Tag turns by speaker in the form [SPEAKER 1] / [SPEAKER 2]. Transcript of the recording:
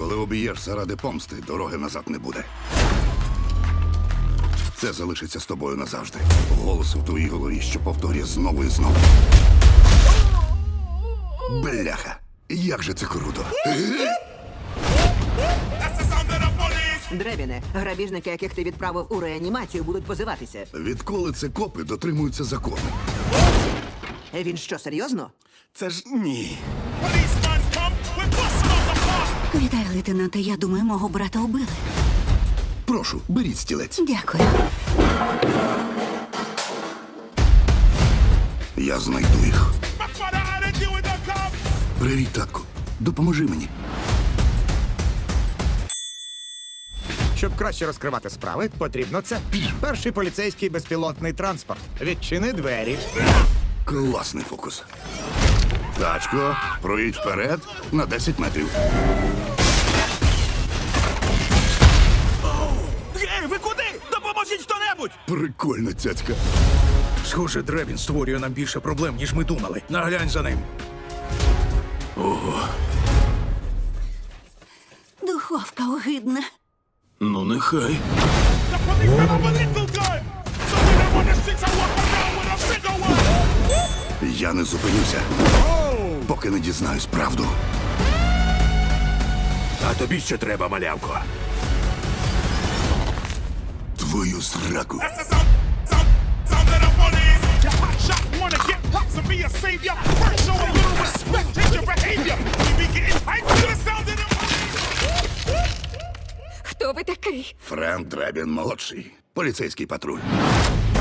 [SPEAKER 1] Коли обієш заради помсти, дороги назад не буде. Це залишиться з тобою назавжди. Голос в твоїй голові, що повторює знову і знову. Бляха, як же це круто.
[SPEAKER 2] Дребіне, грабіжники, яких ти відправив у реанімацію, будуть позиватися.
[SPEAKER 1] Відколи це копи дотримуються закону?
[SPEAKER 2] Він що, серйозно?
[SPEAKER 1] Це ж ні.
[SPEAKER 3] Вітаю, лейтенанте. Я думаю, мого брата убили.
[SPEAKER 1] Прошу, беріть стілець.
[SPEAKER 3] Дякую.
[SPEAKER 1] Я знайду їх. Привіт, татку. Допоможи мені.
[SPEAKER 4] Щоб краще розкривати справи, потрібно це. Перший поліцейський безпілотний транспорт. Відчини двері.
[SPEAKER 1] Класний фокус. Тачко, проїдь вперед на 10 метрів.
[SPEAKER 5] Ей, ви куди? Допоможіть хто-небудь!
[SPEAKER 1] Прикольна цяцька.
[SPEAKER 5] Схоже, Дребін створює нам більше проблем, ніж ми думали. Наглянь за ним.
[SPEAKER 3] Духовка огидна.
[SPEAKER 5] Ну, нехай.
[SPEAKER 1] Я не зупинюся, поки не дізнаюсь правду.
[SPEAKER 5] А тобі що треба, малявко?
[SPEAKER 1] Твою зраку.
[SPEAKER 3] Хто ви такий?
[SPEAKER 1] Френк Дребін молодший. Поліцейський патруль.